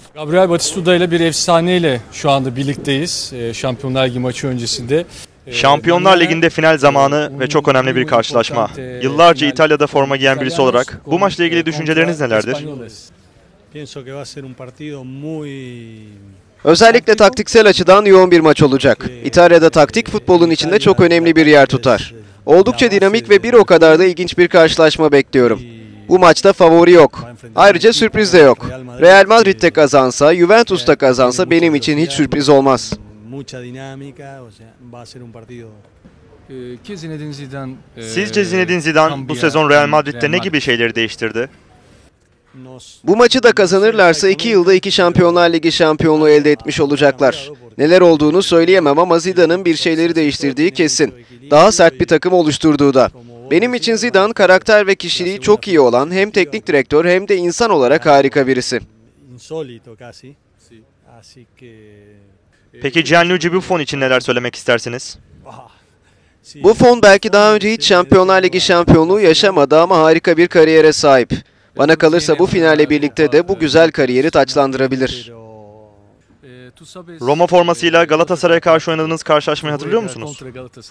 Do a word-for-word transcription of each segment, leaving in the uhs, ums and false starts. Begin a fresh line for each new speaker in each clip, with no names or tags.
Gabriel Batistuta ile bir efsaneyle şu anda birlikteyiz. Şampiyonlar Ligi maçı öncesinde.
Şampiyonlar Ligi'nde final zamanı ve çok önemli bir karşılaşma. Yıllarca İtalya'da forma giyen birisi olarak bu maçla ilgili düşünceleriniz nelerdir?
Özellikle taktiksel açıdan yoğun bir maç olacak. İtalya'da taktik futbolun içinde çok önemli bir yer tutar. Oldukça dinamik ve bir o kadar da ilginç bir karşılaşma bekliyorum. Bu maçta favori yok. Ayrıca sürpriz de yok. Real Madrid de kazansa, Juventus da kazansa benim için hiç sürpriz olmaz.
Sizce Zinedine Zidane bu sezon Real Madrid'de ne gibi şeyleri değiştirdi?
Bu maçı da kazanırlarsa iki yılda iki Şampiyonlar Ligi şampiyonluğu elde etmiş olacaklar. Neler olduğunu söyleyemem ama Zidane'ın bir şeyleri değiştirdiği kesin. Daha sert bir takım oluşturduğu da. Benim için Zidane karakter ve kişiliği çok iyi olan hem teknik direktör hem de insan olarak harika birisi.
Peki Gianluigi Buffon için neler söylemek istersiniz?
Buffon belki daha önce hiç Şampiyonlar Ligi şampiyonluğu yaşamadı ama harika bir kariyere sahip. Bana kalırsa bu finalle birlikte de bu güzel kariyeri taçlandırabilir.
Roma formasıyla Galatasaray'a karşı oynadığınız karşılaşmayı hatırlıyor musunuz?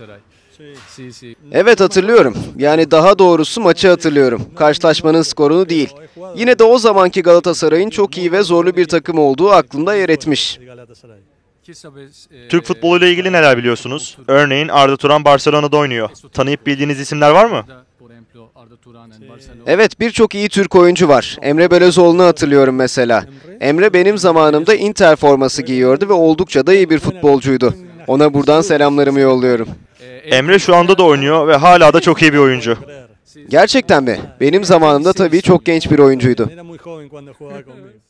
Evet, hatırlıyorum. Yani daha doğrusu maçı hatırlıyorum. Karşılaşmanın skorunu değil. Yine de o zamanki Galatasaray'ın çok iyi ve zorlu bir takım olduğu aklımda yer etmiş.
Türk futboluyla ilgili neler biliyorsunuz? Örneğin Arda Turan Barcelona'da oynuyor. Tanıyıp bildiğiniz isimler var mı?
Evet, birçok iyi Türk oyuncu var. Emre Belözoğlu'nu hatırlıyorum mesela. Emre benim zamanımda Inter forması giyiyordu ve oldukça da iyi bir futbolcuydu. Ona buradan selamlarımı yolluyorum.
Emre şu anda da oynuyor ve hala da çok iyi bir oyuncu.
Gerçekten mi? Benim zamanımda tabii çok genç bir oyuncuydu.